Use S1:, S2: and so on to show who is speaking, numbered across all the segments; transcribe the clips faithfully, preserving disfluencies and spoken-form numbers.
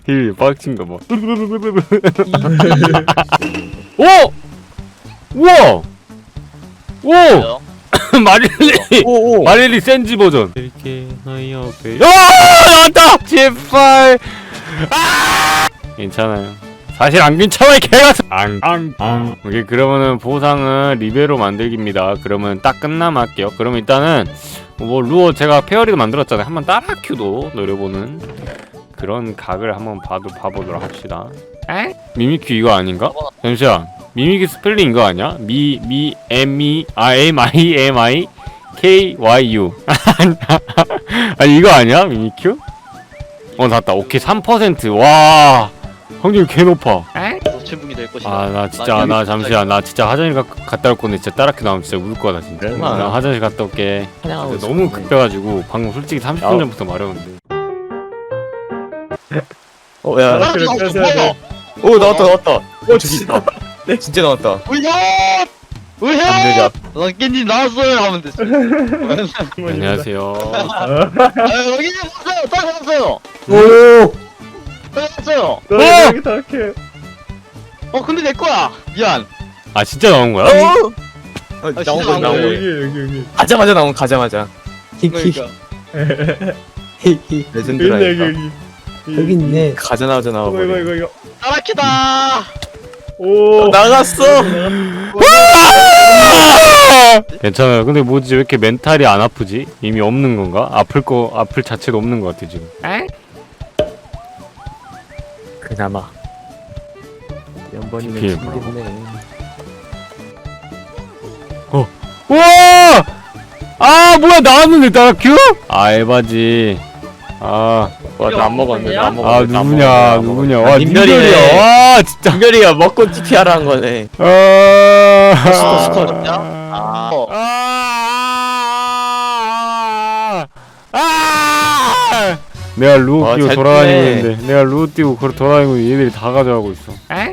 S1: 힐 빡친가 봐. 오! 우와! 오! 마릴리!
S2: 오오
S1: 마릴리 센지 버전. 이렇게 너희 옆에. 야! 나왔다! 제발! 아! 괜찮아요. 사실 안 괜찮아 이 개같은. 앙앙앙. 오케이, 그러면은 보상은 리베로 만들기입니다. 그러면 딱 끝나면 할게요. 그러면 일단은 뭐 루어 제가 페어리도 만들었잖아요. 한번 따라 큐도 노려보는 그런 각을 한번 봐도 봐보도록 합시다. 에? 미미큐 이거 아닌가? 잠시만. 미미큐 스펠링 이거 아니야? 미, 미, M, E, 아, M, I, M, I, K, Y, U. 아니, 이거 아니야? 미미큐? 어, 나왔다. 오케이, 삼 퍼센트. 와. 확률 개 높아.
S3: 노체북이 될 것이다.
S1: 아, 나 진짜, 나 잠시만. 나 진짜 화장실 가, 갔다 올 건데, 진짜 따라큐 나오면 진짜 울 거다, 진짜. 나 화장실 갔다 올게. 너무 급해가지고, 방금 솔직히 삼십 분 전부터 말했는데.
S2: 어야
S3: 아,
S4: 그래, 그래, 그래, 그래.
S2: 오 나왔다 나왔다 오 진짜 네 진짜 나왔다
S3: 울현! 울현!
S2: 감사합니다.
S3: 난 깻잎 나왔어요 하면 됐어.
S1: 안녕하세요.
S3: 아 여기 나왔어요. 딱 나왔어요.
S2: 오
S3: 딱 나왔어요.
S4: 너 여기 다 이렇게.
S3: 어 근데 내 거야. 미안.
S1: 아, 진짜 나온 거야?
S2: 어,
S3: 아,
S2: 나온
S3: 진짜
S2: 거
S3: 나온
S2: 나온
S3: 거예요.
S2: 거
S4: 여기 여기 여기.
S2: 가자마자 나온 가자마자
S3: 그러니까.
S2: 레전드라
S4: 여기 여기 여기.
S5: 여기 있네.
S2: 가자마자
S4: 이거
S2: 나와버려
S4: 이거 이거 이거.
S3: 따라키다.
S4: 오.
S2: 나갔어
S1: 괜찮아요. 근데 뭐지 왜 이렇게 멘탈이 안 아프지? 이미 없는 건가? 아플 거 아플 자체도 없는 것 같아 지금.
S2: 그나마
S5: 연번이면
S1: 피해
S5: 충분해.
S1: 우와! 아 뭐야 나왔는데 따라큐? 아 에바지. 아,
S2: 와나안 먹었는데 나안
S1: 아
S2: 먹었는데 나안
S1: 누구냐
S2: 먹었는데
S1: 누구냐.
S2: 아,
S1: 와
S2: 님별이네.
S1: 님별이야. 와 진짜.
S2: 김별이가 먹고 티피하라 한 거네
S1: 아.
S2: 스커, 스커.
S3: 아. 어.
S1: 아. 아. 내가 루어
S2: 와,
S1: 띄고
S2: 잘
S1: 돌아다니고
S2: 뜨네.
S1: 있는데 내가 루어 띄고 걸어 돌아다니고 있는데 얘들이 다 가져가고 있어.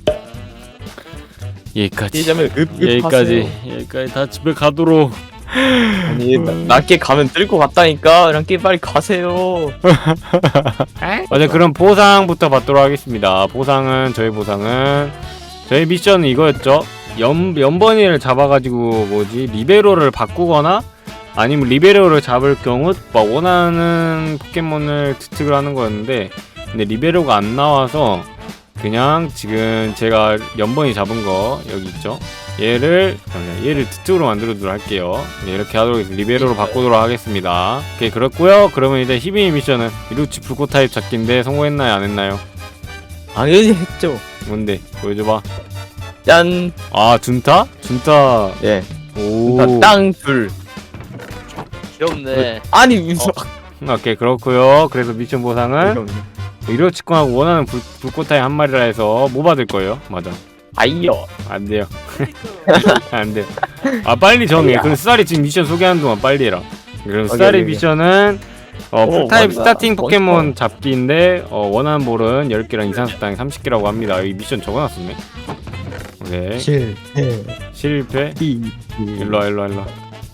S1: 여기까지.
S2: 이자면 읍읍
S1: 여기까지 여기까지 다 집에 가도록.
S2: 아니 나- 낮게 가면 뜰 것 같다니까 랑끼 빨리 가세요
S1: 맞아. 그럼 보상부터 받도록 하겠습니다. 보상은 저희 보상은 저희 미션은 이거였죠. 연 연번이를 잡아가지고 뭐지 리베로를 바꾸거나 아니면 리베로를 잡을 경우 막 원하는 포켓몬을 투특을 하는 거였는데 근데 리베로가 안 나와서 그냥 지금 제가 연번이 잡은 거 여기 있죠. 얘를 잠깐만요. 얘를 투특으로 만들어주도록 할게요. 네, 이렇게 하도록 해서 리베로로 바꾸도록 하겠습니다. 오케이 그렇고요. 그러면 이제 히비니 미션은 이루치 불꽃 타입 잡기인데 성공했나요 안 했나요?
S2: 당연히 했죠
S1: 뭔데 보여줘봐.
S2: 짠
S1: 아 준타? 준타.
S2: 예.
S1: 오.
S2: 땅둘
S3: 귀엽네.
S2: 아니 무슨
S1: 오케이 그렇고요. 그래서 미션 보상은 이로치권하고 원하는 불, 불꽃 타입 한 마리라 해서 뭐 받을 거예요? 맞아.
S2: 아이요
S1: 안 돼요. 안 돼. 아 빨리 정해. 그럼 스타리 지금 미션 소개하는 동안 빨리 해라. 그럼 스타리
S2: 오케이.
S1: 미션은 어,
S2: 오,
S1: 풀타입
S2: 맞다.
S1: 스타팅 포켓몬
S2: 멋있다.
S1: 잡기인데 어, 원하는 볼은 열 개랑 이상 수당이 삼십 개라고 합니다. 여기 미션 적어놨었네. 오케이.
S5: 실패.
S1: 실패.
S5: 이.
S1: 일로와 일로와 일로와.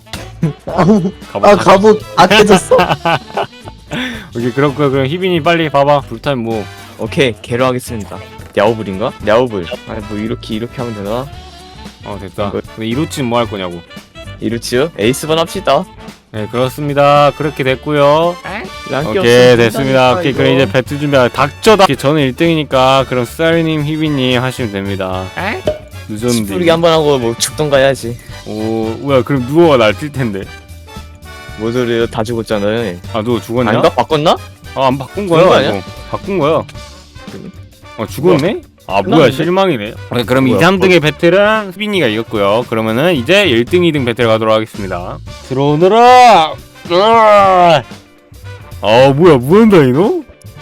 S5: 아 갑옷 아 깨졌어.
S1: 오케이 그렇고요. 그럼 희빈이 빨리 봐봐. 불타입 뭐.
S2: 오케이 개로 하겠습니다 야오불인가? 야오불 아니 뭐 이렇게 이렇게 하면 되나?
S1: 어 됐다.
S2: 이거-
S1: 근데 이로치는 뭐 할 거냐고.
S2: 이루치요? 에이스번 합시다
S1: 네 그렇습니다. 그렇게 됐고요.
S2: 랑끼
S1: 오케이
S2: 없으면
S1: 됐습니다.
S2: 끝나니까,
S1: 오케이
S2: 이거.
S1: 그럼 이제 배틀 준비하 닥쳐다. 오케이, 저는 일 등이니까 그럼 스타리님, 희빈님 하시면 됩니다. 늦었는데.
S2: 시부르기 한번 하고 뭐 죽던가 해야지
S1: 오 뭐야 그럼 누워가 날 뛸 텐데.
S2: 뭐 소리야 다 죽었잖아요
S1: 아 누워 죽었냐?
S2: 아닌가? 바꿨나?
S1: 아 안 바꾼
S2: 죽은 거
S1: 거야.
S2: 아니야?
S1: 이거. 바꾼 거야. 어 죽었네? 아 뭐야
S2: 끝났는데?
S1: 실망이네. 오케이, 그럼 이,
S2: 뭐야,
S1: 삼 등의 배틀은 희빈이가 이겼고요. 그러면은 이제 일 등, 이 등 배틀 가도록 하겠습니다. 들어오너라. 으아! 아 뭐야 무한다이노?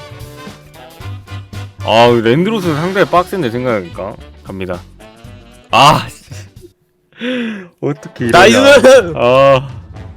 S1: 아 랜드로스 상당히 빡센데 생각하니까 갑니다. 아 어떻게 이러냐.
S2: 나이스!
S1: 아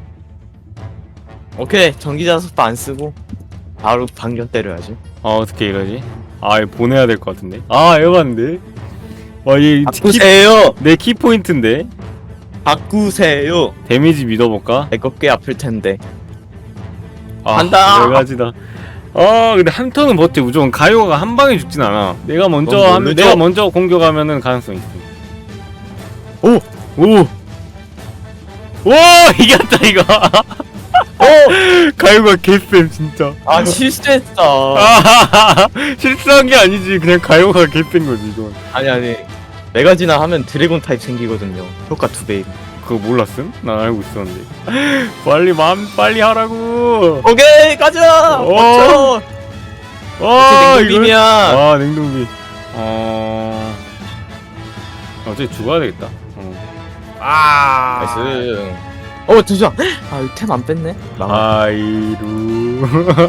S2: 오케이 전기자석도 안 쓰고 바로 반격 때려야지
S1: 아 어떻게 이러지? 아 이거 보내야 될 것 같은데. 아 에반데. 와얘
S2: 바꾸세요!
S1: 내 키포인트인데.
S2: 바꾸세요!
S1: 데미지 믿어볼까?
S2: 내거 꽤 아플 텐데
S1: 아,
S2: 간다!
S1: 네 가지다. 아 근데 한 턴은 버텨. 무조건 가요가 한 방에 죽진 않아. 내가 먼저
S2: 넌
S1: 하면
S2: 모르죠?
S1: 내가 먼저 공격하면은 가능성 있어. 오! 오! 오! 이겼다 이거. 오! 가요가 개쌤 진짜.
S2: 아 실수했다.
S1: 아, 실수한 게 아니지. 그냥 가요가 개센 거지 이건.
S2: 아니 아니 메가지나 하면 드래곤 타입 생기거든요. 효과 두 배.
S1: 그거 몰랐음? 난 알고 있었는데. 빨리 맘 빨리 하라고.
S2: 오케이 가자.
S1: 어.
S2: 맞춰.
S1: 아
S2: 냉동빔이야.
S1: 아 냉동비. 어. 어차피 죽어야 되겠다. 어. 아.
S2: 나이스. 어 두장. 아 템 안 뺐네. 망.
S1: 하이루.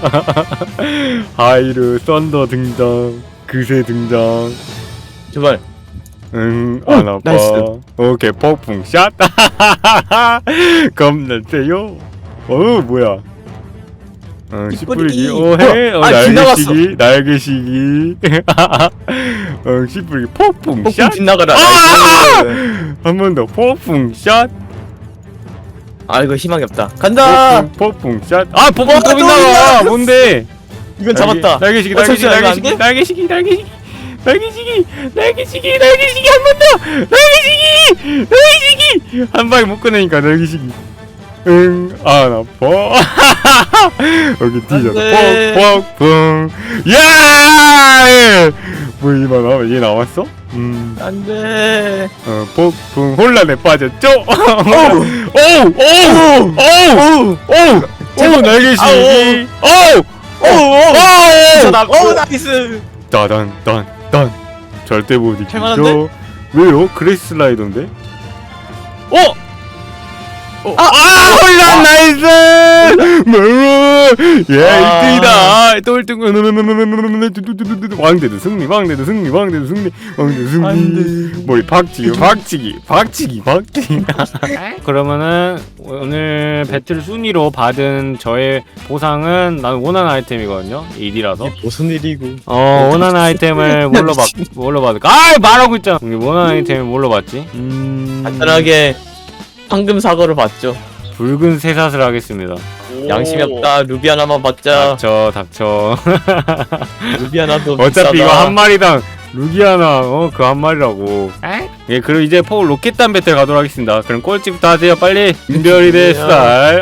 S1: 하이루 썬더 등장. 그새 등장.
S2: 제발.
S1: 응,
S2: 오,
S1: 안 아파.
S2: 나이스.
S1: 오케이, 폭풍 샷. 겁나 세요. 어, 뭐야? 어,
S2: 찌뿌리기.
S1: 씨뿌리기. 어, 해. 어,
S2: 아,
S1: 날개시기. 날개시기. 어, 씨뿌리기. 폭풍
S2: 폭풍
S1: 샷.
S2: 빗나가라.
S1: 아!
S2: 나이스.
S1: 한 번 더. 폭풍 샷.
S2: 아 이거 희망이 없다. 간다.
S1: 폭풍, 폭풍 샷. 아, 폭풍
S2: 어,
S1: 또
S2: 또
S1: 빗나가.
S2: 빗나갔어.
S1: 뭔데?
S2: 이건 잡았다.
S1: 날개시기,
S2: 어,
S1: 날개시기,
S2: 잠시만, 이거 안
S1: 날개시기,
S2: 돼?
S1: 날개시기, 날개시기. 날개시기, 날개시기, 날개시기 한 번 더. 날개시기, 날개시기. 한 방에 못 꺼내니까 날개시기. 응, 안 아파. 여기 뒤져.
S2: 돼.
S1: 폭폭폭. 야! 뭐 이만 나와? 얘 나왔어? 음,
S2: 안돼.
S1: 어, 폭풍 혼란에 빠졌죠? 오, 오, 오, 오, 오, 오, 날개시기. 오, 오, 오,
S2: 나. 어 나이스.
S1: 따단 딴딴 절대 못 이기죠.
S2: 할만한데?
S1: 왜요? 그레이스 슬라이더인데? 어?
S2: 어?
S1: 아, 아 혼란 나이스! 예
S2: 아.
S1: 일 등이다. 또 일 등. 왕대도 승리, 왕대도 승리, 왕대도 승리, 왕대도 승리.
S2: 안돼.
S1: 머리 박치기, 박치기, 박치기, 박치기. 그러면은 오늘 배틀 순위로 받은 저의 보상은 나는 원하는 아이템이거든요. 일이라서.
S2: 무슨 일이고?
S1: 어 원하는 아이템을 뭘로 받 뭘로 받을까? 아 말하고 있잖아. 우리 원하는 아이템을 뭘로 받지? 음
S2: 간단하게 황금 사과를 받죠.
S1: 붉은 쇠사슬 하겠습니다.
S2: 양심이 없다. 루비 하나만 받자.
S1: 닥쳐 닥쳐.
S2: 루비 하나도
S1: 어차피
S2: 비싸다.
S1: 이거 한 마리당 루기아나 어 그 한 마리라고. 예 그리고 이제 포 로켓단 배틀 가도록 하겠습니다. 그럼 꼴찌부터 하세요 빨리. 인별이 됐살.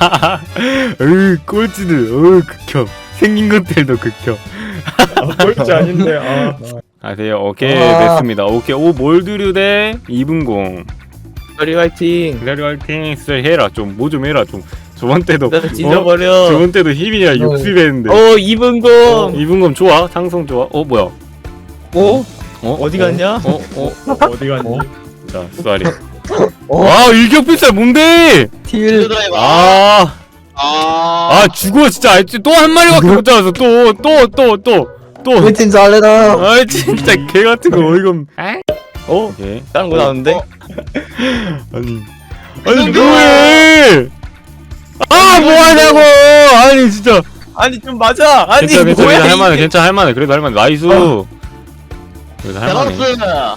S1: 으 꼴찌들 어 극혐. 생긴 것들도 극혐.
S4: 아, 꼴찌 아닌데. 아.
S1: 하세요. 오케이
S5: 아.
S1: 됐습니다. 오케이 오 몰드류 대 이분공.
S2: 별이 화이팅.
S1: 기다리 화이팅 진짜 해라 좀 뭐 좀 해라 좀. 저번 때도
S2: 나를
S1: 어?
S2: 찢어버려.
S1: 저번 때도 힘이야 육십 했는데.
S2: 어 이분공.
S1: 이분검 좋아 상성 좋아. 어 뭐야?
S2: 어?
S1: 어
S2: 어디 갔냐?
S1: 어 어.
S4: 어디 갔니?
S1: 자 쏘리.
S5: 어?
S1: 아 일격필살 뭔데?
S5: 틸.
S3: 드라이버.
S1: 아.
S3: 아.
S1: 아 죽어 진짜 또 한 마리밖에 못 잡았어 또 또 또 또또
S5: 우리 팀 잘해라.
S1: 아 진짜 개 같은 거 어이가 없.
S2: 어?
S1: 오케이
S2: 다른 거 나오는데?
S1: 아니 아니 뭐해? 아 뭐하냐고 아니 진짜.
S2: 아니 좀 맞아. 아니
S1: 괜찮아 괜찮아
S2: 뭐야
S1: 할만해
S2: 이게.
S1: 괜찮아 할만해 그래도 할만해 나이스. 그래도 할만해.
S3: 대박스.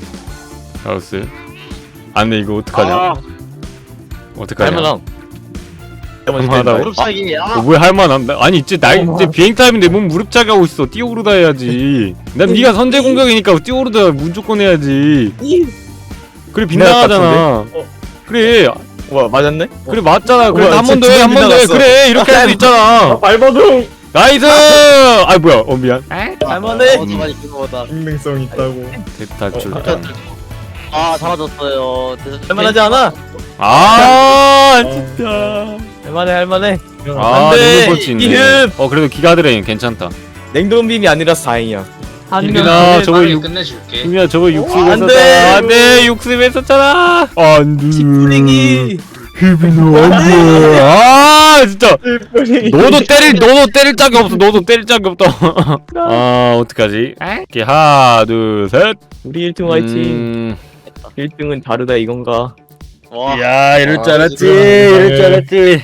S1: 잘했어. 안돼 이거 어떡하냐?
S3: 아.
S1: 어떡하냐?
S2: 할만함.
S1: 할만하다고?
S3: 무릎 차기.
S1: 어,
S3: 아.
S1: 왜 할만함? 나- 아니 이제 날
S5: 어머.
S1: 이제 비행 타임인데 몸 무릎 차게 하고 있어. 뛰어오르다 해야지. 난 네가 선제 공격이니까 뛰어오르다 무조건 해야지.
S2: 이-
S1: 그래
S2: 빗나갈 것
S1: 빗나가잖아. 그래
S2: 와 맞았네?
S1: 그래 맞잖아. 그래
S2: 우와,
S1: 한 번 더
S2: 진짜
S1: 해 한 번 더 해.
S2: 빗나갔어.
S1: 그래 이렇게 할 수 있잖아.
S4: 발버둥.
S1: 나이스. 아 뭐야? 어 미안.
S2: 할만해.
S3: 어, 저만이 그거보다.
S4: 익명성 있다고.
S1: 대탈출.
S4: 어,
S3: 아 사라졌어요.
S2: 할만하지 않아?
S1: 아 진짜.
S2: 할만해 할만해.
S1: 아
S2: 안 돼.
S1: 냉동 펀치 있네.
S2: 이흠.
S1: 어 그래도 기가 드레인 괜찮다.
S2: 냉동빔이 아니라서 다행이야.
S1: 이민아 저거 육
S6: 끝내줄게.
S1: 이민아 저거 육습
S2: 안 돼.
S1: 했었잖아. 안돼 육습 했었잖아. 안돼.
S2: 치프링이.
S1: 히비노 안돼. 아 진짜. 너도 때릴 너도 때릴 짝이 없어. 너도 때릴 짝이 없다. 아 어떡하지? 이렇게 하나 둘 셋.
S2: 우리 일 등 화이팅.
S1: 음...
S2: 일 등은 다르다 이건가?
S3: 와.
S1: 야 이럴 줄
S3: 아,
S1: 알았지.
S4: 지금.
S1: 이럴 줄 알았지.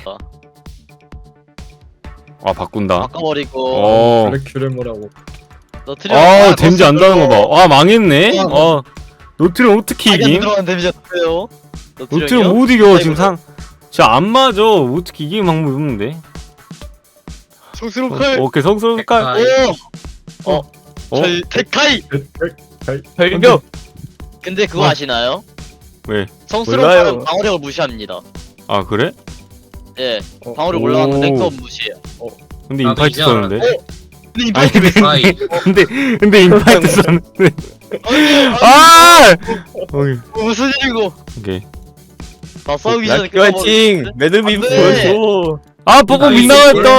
S1: 아 바꾼다.
S3: 바꿔버리고.
S1: 어.
S4: 큐를 뭐라고.
S3: 너 트리오.
S1: 아 덴지 안 다는 거 봐. 아 망했네. 어. 노트를 어떻게
S3: 자기 안
S1: 이김?
S3: 들어간 데미지 어때요?
S1: 노트를 못 이겨 지금 상. 진짜 안 맞아. 어떻게 이기는 방법이 없는데.
S3: 성스러운 칼.
S1: 오케이 성스러운 칼.
S6: 아,
S3: 오. 어.
S1: 어?
S3: 저희 데카이.
S2: 별벽.
S3: 근데 그거
S1: 어.
S3: 아시나요?
S1: 왜?
S3: 성스러운
S2: 몰라요.
S3: 칼은 방어력을 무시합니다.
S1: 아 그래?
S3: 예.
S4: 어.
S3: 방어력
S1: 오.
S3: 올라갔는데 그건 무시해요.
S1: 근데
S6: 나도
S1: 인파이트
S6: 이제
S1: 썼는데.
S3: 근데
S1: 아니
S3: 이파이트 왜?
S6: 아이
S1: 근데 근데 인파이트 썼는데.
S3: 아!
S1: 아! 오케이.
S3: 무슨 일이고?
S1: 오케이.
S3: 나 싸우기 전에
S2: 라키 화이팅. 매듭이
S3: 안 돼.
S2: 보여줘.
S1: 아 보고
S6: 아,
S1: 빗나갔다.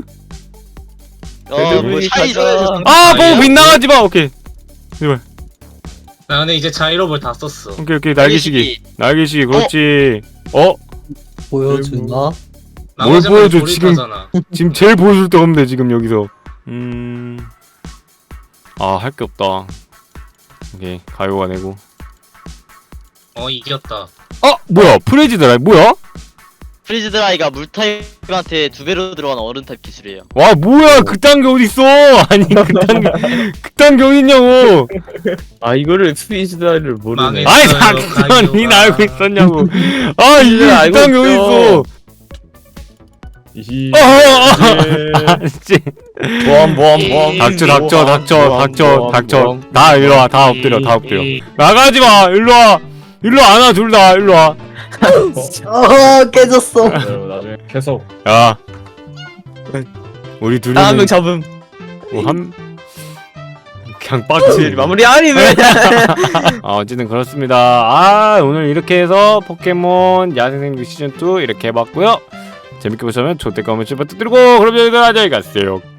S3: 어,
S2: 매듭이
S3: 뭐 차이
S2: 가자.
S3: 줘야
S1: 아 보고 빗나가지 마. 오케이.
S6: 나 근데 이제 자이로볼 다 썼어.
S1: 오케이 오케이 날개시기. 날개시기 그렇지. 어?
S5: 보여주나?
S1: 뭘
S6: 나머지
S1: 보여줘,
S6: 머리
S1: 지금.
S6: 돌입하잖아.
S1: 지금 제일 보여줄 데가 없는데 지금 여기서. 음. 아 할 게 없다. 오케이 가요가 내고.
S6: 어 이겼다.
S1: 아 뭐야 프레지드라 뭐야?
S3: 프리즈 드라이가 물 타입한테 두 배로 들어가는 어른 타입 기술이에요.
S1: 와 뭐야 그딴 게 어딨어? 아니 그딴 게 그딴 게 어딨냐고?
S2: 아 이거를 스피드를 모르네.
S6: 망했어.
S1: 아이
S6: 있어요,
S1: 당연히
S6: 가이오가.
S1: 알고 있었냐고. 아 이게
S2: 알고
S1: 그딴 게
S2: 있죠.
S1: 어딨어?
S4: 이히
S1: 어, 어, 어.
S4: 예.
S1: 아 씨.
S2: 모험 모험 모험.
S1: 닥쳐 닥쳐 닥쳐
S2: 모험,
S1: 닥쳐
S2: 모험,
S1: 닥쳐.
S2: 모험.
S1: 다 일로 와 다 엎드려 다 엎드려. 나가지 마 일로 와 일로 안 와 둘 다 일로 와.
S5: 어 깨졌어.
S4: 그래요, 나중에 계속
S1: 야. 우리 둘이
S2: 아, 한명 잡음.
S1: 한 그냥 빡치
S2: 마무리 아니면.
S1: 아 어쨌든 그렇습니다. 아 오늘 이렇게 해서 포켓몬 야생생물 시즌 투 이렇게 해봤고요. 재밌게 보셨다면 좋댓글 한번 쭉 부탁드리고 그럼 저희들 안녕히 가세요.